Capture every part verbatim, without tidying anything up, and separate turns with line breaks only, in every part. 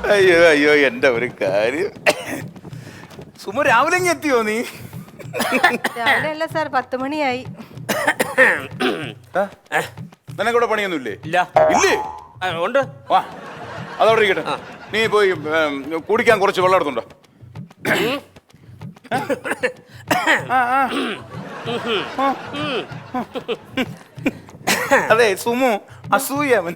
അയ്യോ അയ്യോ എന്റെ ഒരു കാര്യം. സുമ രാവിലെ എത്തിയോ നീ?
രാവിലെ അല്ല സാർ, പത്ത് മണിയായി.
നിനക്കൂടെ പണിയൊന്നുമില്ലേ?
ഇല്ല.
ഇല്ലേ?
ഉണ്ട്.
വാ അതവിടെ ഇരിക്കട്ടെ. നീ പോയി കുടിക്കാൻ കുറച്ച് വെള്ളം എടുത്തുണ്ടോ? അതെ സുമു അസൂയവൻ.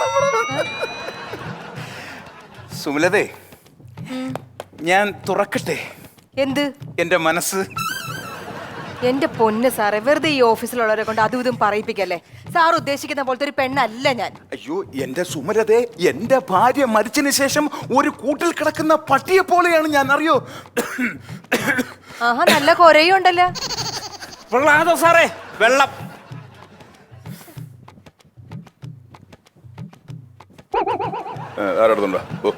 സുമലതേ, ഞാൻ തുറക്കട്ടെ
എന്ത്?
എന്റെ മനസ്സ്.
എന്റെ പൊന്ന് സാറേ, വെറുതെ ഈ ഓഫീസിലുള്ളവരെ കൊണ്ട് അതും ഇതും പറയിപ്പിക്കല്ലേ. സാർ ഉദ്ദേശിക്കുന്ന പോലത്തെ ഒരു പെണ്ണല്ല ഞാൻ.
അയ്യോ എന്റെ സുമലതേ, എന്റെ ഭാര്യ മരിച്ചതിന് ശേഷം ഒരു കൂട്ടിൽ കിടക്കുന്ന പട്ടിയെ പോലെയാണ് ഞാൻ, അറിയോ?
ആഹാ, നല്ല കൊരയും ഉണ്ടല്ലോ.
വെള്ളം സാറേ, വെള്ളം.
ആരെടുത്തുണ്ടോ?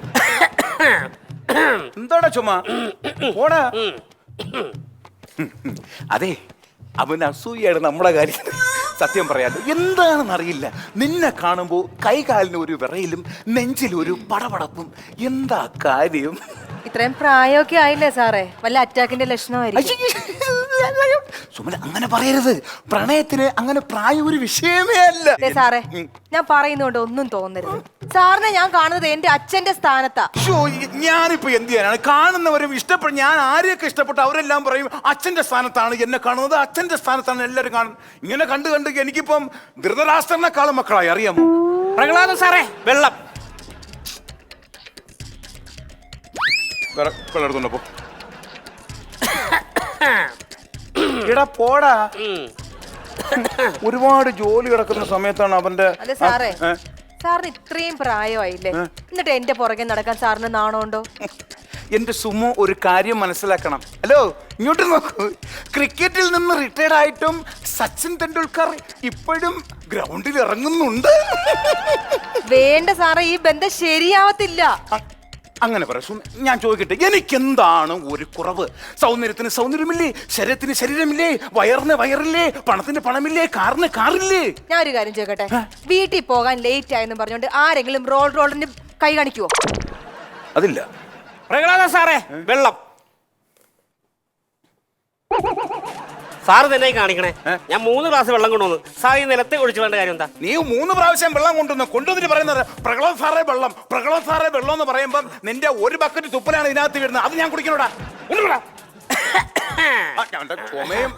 എന്താടാ ചുമ? പോടാ. അതെ, അവൻ അസൂയാണ് നമ്മുടെ കാര്യം. സത്യം പറയാലോ, എന്താണെന്ന് അറിയില്ല. നിന്നെ കാണുമ്പോ കൈകാലിന് ഒരു വിറയിലും നെഞ്ചിലൊരു പടപടപ്പും. എന്താ കാര്യം?
ഇത്രയും പ്രായമൊക്കെ ആയില്ലേ സാറേ, വല്ല അറ്റാക്കിന്റെ ലക്ഷണമായിരിക്കും.
സുമല അങ്ങനെ പറയരുത്. പ്രണയത്തിന് അങ്ങനെ പ്രായം ഒരു വിഷയമേ അല്ല.
സാറേ, ഞാൻ പറയുന്നോണ്ട് ഒന്നും തോന്നരുത്. സാറിനെ ഞാൻ കാണുന്നത് എന്റെ അച്ഛന്റെ സ്ഥാനത്താ.
ഞാനിപ്പോ എന്ത് ചെയ്യാനാണ്? കാണുന്നവരും ഇഷ്ടപ്പെടും. ഞാൻ ആരെയൊക്കെ ഇഷ്ടപ്പെട്ടു അവരെല്ലാം പറയും അച്ഛന്റെ സ്ഥാനത്താണ് എന്നെ കാണുന്നത്, അച്ഛന്റെ സ്ഥാനത്താണ് എല്ലാവരും കാണുന്നത്. ഇങ്ങനെ കണ്ടു കണ്ട് എനിക്കിപ്പം ധൃതരാഷ്ട്രനെക്കാളും മക്കളായി, അറിയാമോ?
പ്രഹ്ലാദൻ സാറേ, വെള്ളം.
വെള്ളം എടുത്തുണ്ടപ്പോ ഇടാ പോടാ. ഒരുപാട് ജോലി കിടക്കുന്ന സമയത്താണ് അവന്റെ.
അതെ സാറേ, സാറിന് ഇത്രയും പ്രായമായില്ലേ, എന്നിട്ട് എന്റെ പുറകെ നടക്കാൻ സാറിന് നാണമുണ്ടോ?
എന്റെ സുമു ഒരു കാര്യം മനസ്സിലാക്കണം. ഹലോ, ഇങ്ങോട്ട് നോക്കൂ. ക്രിക്കറ്റിൽ നിന്ന് റിട്ടയർഡ് ആയിട്ടും സച്ചിൻ തെണ്ടുൽക്കർ ഇപ്പോഴും ഗ്രൗണ്ടിൽ ഇറങ്ങുന്നുണ്ട്.
വേണ്ട സാറേ, ഈ ബന്ധം ശരിയാവത്തില്ല.
അങ്ങനെ പറ. ഞാൻ ചോദിക്കട്ടെ, എനിക്കെന്താണ് ഒരു കുറവ്? സൗന്ദര്യത്തിന് സൗന്ദര്യമില്ലേ, ശരീരത്തിന് ശരീരമില്ലേ, വയറിന് വയറില്ലേ, പണത്തിന് പണമില്ലേ, കാറിന് കാറില്ലേ?
ഞാൻ ഒരു കാര്യം ചോദിക്കട്ടെ, വീട്ടിൽ പോകാൻ ലേറ്റ് ആയെന്ന് പറഞ്ഞുകൊണ്ട് ആരെങ്കിലും റോൾ റോളിന് കൈ കാണിക്കുവോ?
അതില്ല.
പ്രഹ്ലാദൻ സാറേ, വെള്ളം. സാറ് തന്നെ കാണിക്കണേ. ഞാൻ മൂന്ന് ഗ്ലാസ് വെള്ളം കൊണ്ടുവന്നു. സാർ ഈ നിലത്തെ ഒഴിച്ചു വേണ്ട കാര്യം എന്താ?
നീ മൂന്ന് പ്രാവശ്യം വെള്ളം കൊണ്ടുവന്നു കൊണ്ടുവന്നിട്ട് പറയുന്നത് പ്രഹ്ലാദ് സാറേ വെള്ളം, പ്രഹ്ലാദ് സാറേ വെള്ളം എന്ന് പറയുമ്പം നിന്റെ ഒരു ബക്കറ്റ് തുപ്പലാണ് ഇതിനകത്ത് വീഴുന്നത്. അത് ഞാൻ കുടിക്കണോടാ. ചുമയും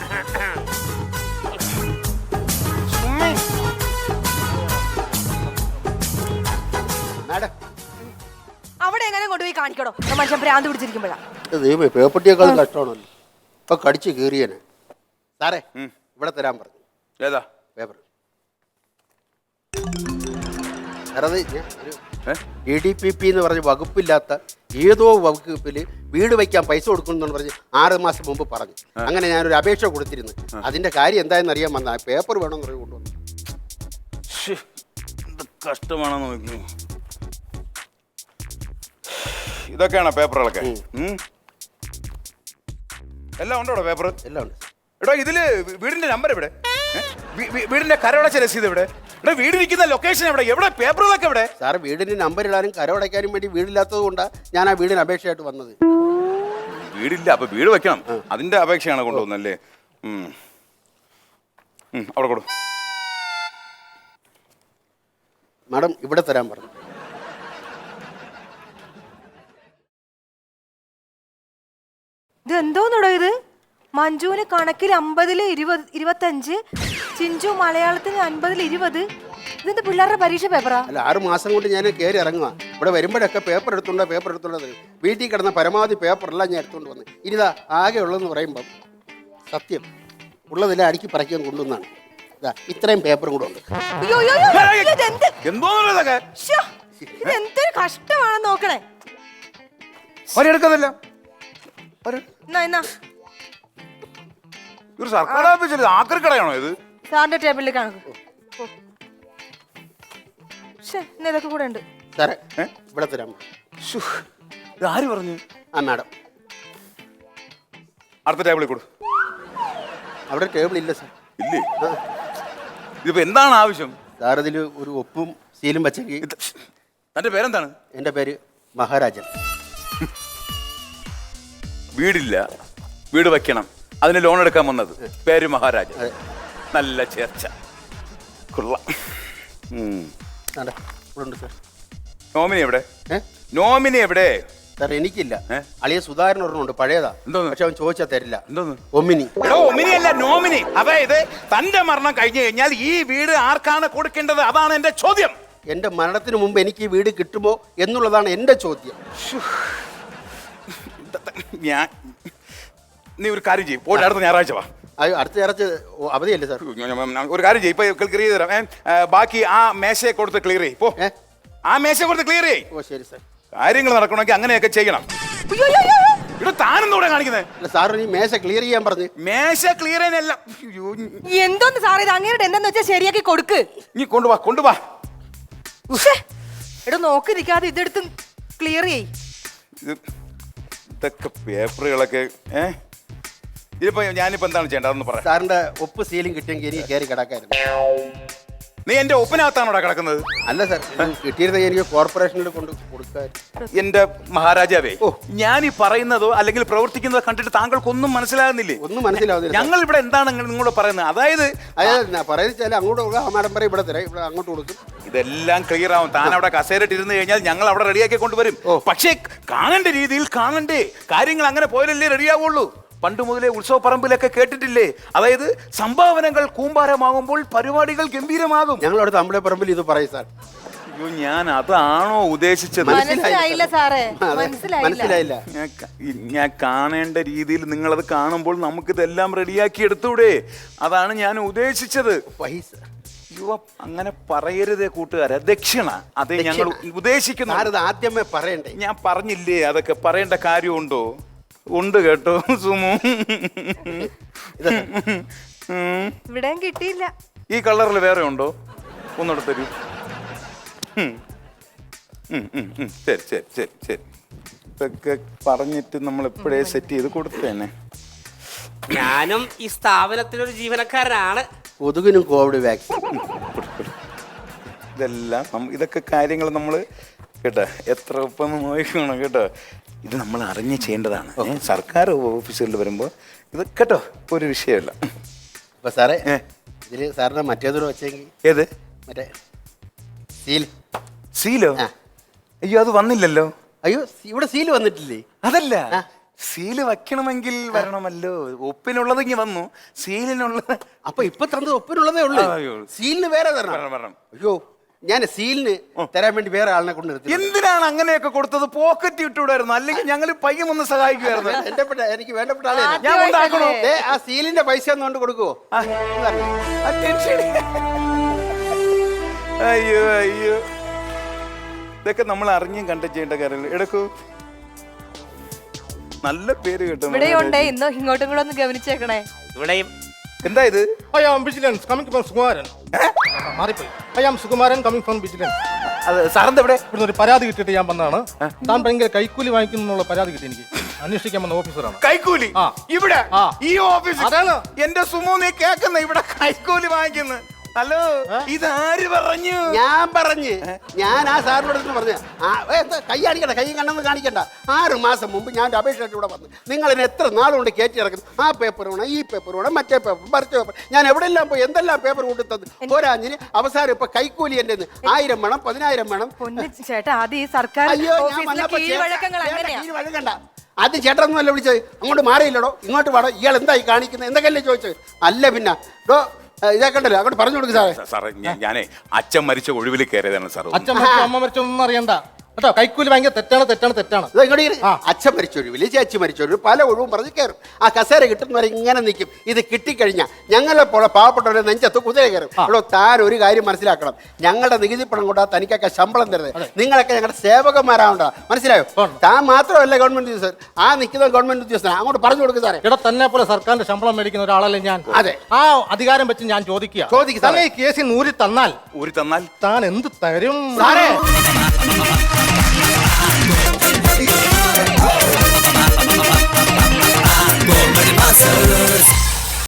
അവിടെ എങ്ങനെ കൊണ്ടുപോയി കാണിക്കണോ? മനുഷ്യൻ ഭ്രാന്ത് പിടിച്ചിരിക്കുമ്പോഴാ.
പേപ്പട്ടിയേക്കാളും കഷ്ടമാണല്ലോ. ഇപ്പൊ കടിച്ച് കീറിയനെ. സാറേ, ഇവിടെ തരാൻ പറഞ്ഞു.
ഏതാ
paper? D D P P എന്ന് പറഞ്ഞ് വകുപ്പില്ലാത്ത ഏതോ വകുപ്പിൽ വീട് വയ്ക്കാൻ പൈസ കൊടുക്കുന്നു പറഞ്ഞ് ആറ് മാസം മുമ്പ് പറഞ്ഞു. അങ്ങനെ ഞാനൊരു അപേക്ഷ കൊടുത്തിരുന്നു. അതിന്റെ കാര്യം എന്തായെന്ന് അറിയാൻ വന്ന പേപ്പർ വേണമെന്ന് പറഞ്ഞ് കൊണ്ടുവന്നു.
കഷ്ടമാണെന്ന് നോക്കി. ഇതൊക്കെയാണോ പേപ്പറുകളൊക്കെ? എല്ലാം ഉണ്ടോ പേപ്പർ?
എല്ലാം ഉണ്ട്.
എടോ, ഇതില് വീടിന്റെ നമ്പർ എവിടെ? വീടിന്റെ കരവടച്ച രസീത് എവിടെ? ഇവിടെ വീടിരിക്കുന്ന ലൊക്കേഷൻ എവിടെ? എവിടെ പേപ്പറുകളൊക്കെ എവിടെ?
സാറ് വീടിന് നമ്പർ ഇടാനും കരവടയ്ക്കാനും വേണ്ടി വീടില്ലാത്തത് കൊണ്ടാണ് ഞാൻ ആ വീടിന് അപേക്ഷയായിട്ട് വന്നത്.
വീടില്ല, അപ്പൊ വീട് വെക്കണം. അതിന്റെ അപേക്ഷയാണ് കൊണ്ടുവന്നല്ലേ? അവിടെ കൊടു.
മാഡം, ഇവിടെ തരാൻ പറഞ്ഞു.
ഇത് എന്തോന്നടോ ഇത്? മഞ്ജുവിന് കണക്കിൽ അമ്പതില് ഇരുപത് ഇരുപത്തഞ്ച്, ചിഞ്ചു മലയാളത്തിന് അൻപതിൽ ഇരുപത്. ഇതെന്ത് പിള്ളേരുടെ പരീക്ഷ പേപ്പറാ?
അല്ല, ആറ് മാസം കൊണ്ട് ഞാൻ കയറി ഇറങ്ങുക. ഇവിടെ വരുമ്പോഴൊക്കെ പേപ്പർ എടുത്തുണ്ടോ പേപ്പർ എടുത്തുണ്ടോ തരും. വീട്ടിൽ കിടന്ന പരമാവധി പേപ്പറെല്ലാം ഞാൻ എടുത്തുകൊണ്ട് വന്ന്. ഇനിതാ ആകെ ഉള്ളതെന്ന് പറയുമ്പം സത്യം ഉള്ളതെല്ലാം അടുക്കി പറയ്ക്കാൻ കൊണ്ടുവന്നാണ്. ഇതാ ഇത്രയും പേപ്പറും കൂടെ ഉണ്ട്.
എന്തൊരു കഷ്ടമാണെന്ന് നോക്കണേ.
ഒരെടുക്കുന്നില്ല. സർക്കാർ ഓഫീസിൽ ആക്രി കടയാണോ ഇത്?
സാറിന്റെ ടേബിളിൽ കാണും. ഇതൊക്കെ കൂടെ ഉണ്ട്
സാറേ. ഇവിടെ തരാം.
ആര് പറഞ്ഞു?
ആ മാഡം.
അടുത്ത ടേബിളിൽ കൊടു.
അവിടെ ടേബിൾ ഇല്ല സാർ.
ഇല്ലേ? ഇതിപ്പോ എന്താണ് ആവശ്യം?
സാർ ഇതിൽ ഒരു ഒപ്പും സീലും വെച്ചെങ്കിൽ.
തന്റെ പേരെന്താണ്?
എൻ്റെ പേര് മഹാരാജൻ.
വീടില്ല, വീട് വെക്കണം, അതിന് ലോൺ എടുക്കാൻ വന്നത്. പേര് മഹാരാജൻ. നല്ല ചേർച്ച, കൊള്ളാം. ഉം.
ആണ്ടെ, ഇവിടെ ഉണ്ട് സാർ.
നോമിനി എവിടെ?
ഏ?
നോമിനി എവിടെ?
സാർ എനിക്കില്ല.
ഏ?
അളിയ സുധാകരൻ ഒരെണ്ണമുണ്ട്, പഴയതാ.
എന്തോന്ന്?
പക്ഷെ അവൻ ചോദിച്ചാൽ തരില്ല.
എന്തോന്ന്?
ഒമിനി.
എടോ, ഒമിനി അല്ല, നോമിനി. അതായത് തന്റെ മരണം കഴിഞ്ഞു കഴിഞ്ഞാൽ ഈ വീട് ആർക്കാണ് കൊടുക്കേണ്ടത്? അതാണ് എന്റെ ചോദ്യം.
എന്റെ മരണത്തിന് മുമ്പ് എനിക്ക് ഈ വീട് കിട്ടുമോ എന്നുള്ളതാണ് എന്റെ ചോദ്യം.
ഞാൻ നീ ഒരു കാര്യം ചെയ്യും, പോയിട്ട് അടുത്ത ഞായറാഴ്ച വാ.
അയ്യോ, അടുത്ത ഞായറാഴ്ച അവധിയല്ലേ സാർ?
ഒരു കാര്യം ചെയ്യും, ഇപ്പൊ ക്ലിയർ ചെയ്ത് തരാം. ഏ, ബാക്കി ആ മേശയെ കൊടുത്ത് ക്ലിയർ ചെയ്യും. പോ,
ഏ?
ആ മേശ കൊടുത്ത് ക്ലിയർ ചെയ്യും.
ഓ ശരി സാർ.
കാര്യങ്ങൾ നടക്കണമെങ്കിൽ അങ്ങനെയൊക്കെ ചെയ്യണം.
അയ്യോ, അയ്യോ, അയ്യോ.
ഇവിടെ താനെന്തൂടെ കാണിക്കുന്നത്?
അല്ല സാർ, ഈ മേശ ക്ലിയർ ചെയ്യാൻ പറഞ്ഞു.
മേശ ക്ലിയർ ചെയ്യാനല്ല. അയ്യോ,
എന്തോന്ന് സാർ ഇത്? അങ്ങേരുടെ എന്താന്ന് വെച്ചാൽ ശരിയാക്കി കൊടുക്ക്.
നീ കൊണ്ടുവാ, കൊണ്ടുവാ.
ഉശ്ശേ. എടോ, നോക്കി നിൽക്കാതെ ഇതെടുത്ത് ക്ലിയർ ചെയ്.
ഇത് ഇതൊക്കെ പേപ്പറുകളൊക്കെ. ഏ ഇതിപ്പോ ഞാനിപ്പോ എന്താണ് ചെയ്യേണ്ടത് അതൊന്ന് പറയാം.
സാറിന്റെ ഒപ്പ് സീലും കിട്ടിയെങ്കിൽ എനിക്ക് കയറി കിടക്കായിരുന്നു.
നീ എന്റെ ഒപ്പനകത്താണോടാ കിടക്കുന്നത്?
അല്ല സാർ, കിട്ടിയിരുന്നെങ്കിൽ എനിക്ക് കോർപ്പറേഷനിൽ കൊണ്ട് കൊടുക്കാൻ.
എന്റെ മഹാരാജാവേ, ഓ ഞാൻ ഈ പറയുന്നതോ അല്ലെങ്കിൽ പ്രവർത്തിക്കുന്നതോ കണ്ടിട്ട് താങ്കൾക്കൊന്നും മനസ്സിലാകുന്നില്ലേ?
ഒന്നും മനസ്സിലാവുന്നില്ല.
ഞങ്ങൾ ഇവിടെ എന്താണ് നിങ്ങളോട് പറയുന്നത്? അതായത്
അതായത് പറയുന്നത് അങ്ങോട്ട് കൊടുക്കുക, ആ മാഡം പറയും ഇവിടെ തരാം, ഇവിടെ അങ്ങോട്ട് കൊടുക്കും.
ഇതെല്ലാം ക്ലിയർ ആവും. താൻ അവിടെ കസേരയിട്ട് ഇരുന്ന് കഴിഞ്ഞാൽ ഞങ്ങൾ അവിടെ റെഡിയാക്കി കൊണ്ടുവരും. പക്ഷേ കാണേണ്ട രീതിയിൽ കാണണ്ടേ? കാര്യങ്ങൾ അങ്ങനെ പോയാലല്ലേ റെഡിയാവുള്ളൂ. പണ്ട് മുതലേ ഉത്സവപ്പറമ്പിലൊക്കെ കേട്ടിട്ടില്ലേ? അതായത് സംഭാവനകൾ കൂമ്പാരമാകുമ്പോൾ പരിപാടികൾ ഗംഭീരമാകും.
ഞങ്ങളവിടെ തമ്മിലെ പറമ്പിൽ ഇത് പറയും സാർ.
അയ്യോ, ഞാൻ അതാണോ ഉദ്ദേശിച്ചത്?
മനസ്സിലായില്ല സാറേ,
മനസ്സിലായില്ല.
ഞാൻ ക- ഞാൻ കാണേണ്ട രീതിയിൽ നിങ്ങളത് കാണുമ്പോൾ നമുക്കിതെല്ലാം റെഡിയാക്കി എടുത്തൂടെ? അതാണ് ഞാൻ ഉദ്ദേശിച്ചത്.
പൈസ
യുവ അങ്ങനെ പറയരുതേ കൂട്ടുകാരെ. ദക്ഷിണ അതേ ഞങ്ങൾ ഉദ്ദേശിക്കുന്നു.
സാർ ഇത് ആദ്യമേ പറയണ്ടേ?
ഞാൻ പറഞ്ഞില്ലേ അതൊക്കെ പറയേണ്ട കാര്യമുണ്ടോ? ഉണ്ട് കേട്ടോ സുമു. ഉം.
ഇവിടെയും കിട്ടിയില്ല.
ഈ കളറിൽ വേറെ ഉണ്ടോ? ഒന്നുകൂടെ തരൂ. ഉം. ഉം, ഉം, ഉം. ശരി ശരി ശരി ശരി ഇതൊക്കെ പറഞ്ഞിട്ട് നമ്മൾ എപ്പോഴേ സെറ്റ് ചെയ്ത് കൊടുത്തേനെ.
ഞാനും ഈ സ്ഥാപനത്തിലൊരു ജീവനക്കാരനാണ്.
കൊതുകിനും കോവിഡ് വാക്സിൻ.
ഇതെല്ലാം നമ്മ- ഇതൊക്കെ കാര്യങ്ങൾ നമ്മൾ കേട്ടോ എത്ര ഒപ്പം നോക്കണം കേട്ടോ. ഇത് നമ്മൾ അറിഞ്ഞ് ചെയ്യേണ്ടതാണ്. ഏ, സർക്കാർ ഓഫീസുകളിൽ വരുമ്പോൾ ഇത് കേട്ടോ ഒരു വിഷയമല്ല.
അപ്പൊ സാറേ,
ഏ.
ഇതില് സാറിന്റെ മറ്റേതൂടെ വെച്ചെങ്കിൽ
ഏത്?
മറ്റേ സീൽ.
സീലോ?
ആ.
അയ്യോ, അത് വന്നില്ലല്ലോ.
അയ്യോ, ഇവിടെ സീൽ വന്നിട്ടില്ലേ?
അതല്ല,
ആ.
സീല് വെക്കണമെങ്കിൽ വരണമല്ലോ. ഒപ്പിനുള്ളത് ഇങ്ങനെ വന്നു, സീലിനുള്ളത്.
അപ്പൊ ഇപ്പൊ തന്നത് ഒപ്പിനുള്ളതേ ഉള്ളൂ.
ആ, അയ്യോ.
സീലിന് വേറെ തരണം.
വരണം, വരണം.
അയ്യോ, ഞാൻ സീലിന് തരാൻ വേണ്ടി വേറെ ആളിനെ കൊണ്ട് നിർത്തി.
എന്തിനാണ് അങ്ങനെയൊക്കെ കൊടുത്തത്? പോക്കറ്റ് ഇട്ടുവിടായിരുന്നു, അല്ലെങ്കിൽ ഞങ്ങൾ പയ്യം ഒന്ന് സഹായിക്കുമായിരുന്നു.
എന്റെ പെട്ട- എനിക്ക് വേണ്ടപ്പെട്ട ആളെ
ഞാൻ കൊണ്ടാക്കണോ?
ദേ, ആ സീലിന്റെ പൈസ ഒന്ന് കൊണ്ട് കൊടുക്കുവോ?
ആ. Attention. അയ്യോ അയ്യോ, ഇതൊക്കെ നമ്മൾ അറിഞ്ഞും കണ്ട ചെയ്യേണ്ട കാര്യങ്ങൾ. എടുക്കൂ, നല്ല പേര് കേട്ടോ.
ഇവിടെ ഉണ്ടേ, ഇന്നോ ഇങ്ങോട്ടും കൂടെ ഒന്ന് ഗവനിച്ചേക്കണേ.
ഇവിടെയും
എന്താ ഇത്?
I am Vigilance coming from Sukumaran. മാറിപ്പോയി. I am Sukumaran coming from Vigilance.
അത് സാറിന്റെ ഇവിടെ
ഇവിടുന്ന് ഒരു പരാതി കിട്ടിയിട്ട് ഞാൻ വന്നതാണ്. താൻ ഭയങ്കര കൈക്കൂലി വാങ്ങിക്കുന്നുള്ള പരാതി കിട്ടി എനിക്ക്. അന്വേഷിക്കാൻ വന്ന ഓഫീസറാണ്.
കൈക്കൂലി?
ആ.
ഇവിടെ
ആ.
ഈ ഓഫീസ്?
അതാണ്.
എന്റെ സുമു, നീ കേക്കുന്ന ഇവിടെ കൈക്കൂലി വാങ്ങിക്കുന്നു? ഹലോ, ഇതാര് പറഞ്ഞു?
ഞാൻ പറഞ്ഞ് ഞാൻ ആ സാറിനോട് അടുത്ത് പറഞ്ഞ കൈ കാണിക്കണ്ട, കൈ കണ്ണെന്ന് കാണിക്കണ്ട. ആറ് മാസം മുമ്പ് ഞാൻ ഒരു അപേക്ഷ ഇവിടെ വന്നു. നിങ്ങൾ എന്നെ എത്ര നാളുകൊണ്ട് കയറ്റി ഇറക്കുന്നു? ആ പേപ്പർ വേണം, ഈ പേപ്പർ വേണം, മറ്റേ പേപ്പർ, മറിച്ച പേപ്പർ. ഞാൻ എവിടെയെല്ലാം പോയി എന്തെല്ലാം പേപ്പർ കൊണ്ടുത്തത്. പോരാഞ്ഞിന് അവസാനം ഇപ്പൊ കൈക്കൂലി എന്റെ ആയിരം വേണം, പതിനായിരം വേണം.
പൊന്നു ചേട്ടാ, ആദ്യം ഈ സർക്കാർ
അയ്യോ, ഞാൻ
ഓഫീസിലെ
വന്നപ്പോ
കീഴ്വഴക്കങ്ങൾ
ചേട്ടാ,
അങ്ങനെയാ.
കീഴ് വഴങ്ങണ്ട. ആദ്യം ചേട്ടനൊന്നുമല്ല വിളിച്ചത്, അങ്ങോട്ട് മാറിയില്ലടോ, ഇങ്ങോട്ട് വേണോ, ഇയാൾ എന്തായി കാണിക്കുന്നത് എന്തൊക്കെയല്ലേ ചോദിച്ചത്. അല്ല പിന്നെ ഡോ ഇതാക്കണ്ടല്ലോ, അങ്ങോട്ട് പറഞ്ഞു കൊടുക്കും സാറേ.
സാറേ, ഞാനേ അച്ഛൻ മരിച്ച ഒഴിവിൽ കയറിയതാണ് സാർ.
അച്ഛൻ മരിച്ചോ അമ്മ മരിച്ചോ ഒന്നും അറിയണ്ട കേട്ടോ. കൈക്കൂലി ഭയങ്കര തെറ്റാണ്, തെറ്റാണ്, തെറ്റാണ്.
ഇത് ഇങ്ങോട്ട് ഇരി. അച്ഛൻ മരിച്ചൊഴിവില്, ചേച്ചി മരിച്ചൊഴിവ്, പല ഒഴിവും പറഞ്ഞ് കയറും. ആ കസേര കിട്ടുന്നവരെ ഇങ്ങനെ നിൽക്കും. ഇത് കിട്ടിക്കഴിഞ്ഞാൽ ഞങ്ങളെ പോലെ പാവപ്പെട്ടവരെ നെഞ്ചത്ത് കുതിര കയറും. അവിടെ താൻ ഒരു കാര്യം മനസ്സിലാക്കണം, ഞങ്ങളുടെ നികുതി പണം കൊണ്ടാ തനിക്കൊക്കെ ശമ്പളം തരുന്നത്. നിങ്ങളൊക്കെ ഞങ്ങളുടെ സേവകന്മാരാവണ്ട, മനസ്സിലായോ? താൻ മാത്രമല്ല ഗവൺമെന്റ് ഉദ്യോഗസ്ഥൻ, ആ നിൽക്കുന്ന ഗവൺമെന്റ് ഉദ്യോഗസ്ഥൻ. അങ്ങോട്ട് പറഞ്ഞു കൊടുക്കും സാറേ.
ഇവിടെ തന്നെ പോലെ സർക്കാരിന്റെ ശമ്പളം മേടിക്കുന്ന ഒരാളല്ലേ ഞാൻ.
അതെ.
ആ അധികാരം വെച്ച് ഞാൻ ചോദിക്കുക,
ചോദിക്ക് സാറേ.
തന്നെ ഈ കേസിൽ നൂരി തന്നാൽ
ഊരി തന്നാൽ
താൻ എന്ത് തരും
സാറേ?
Go,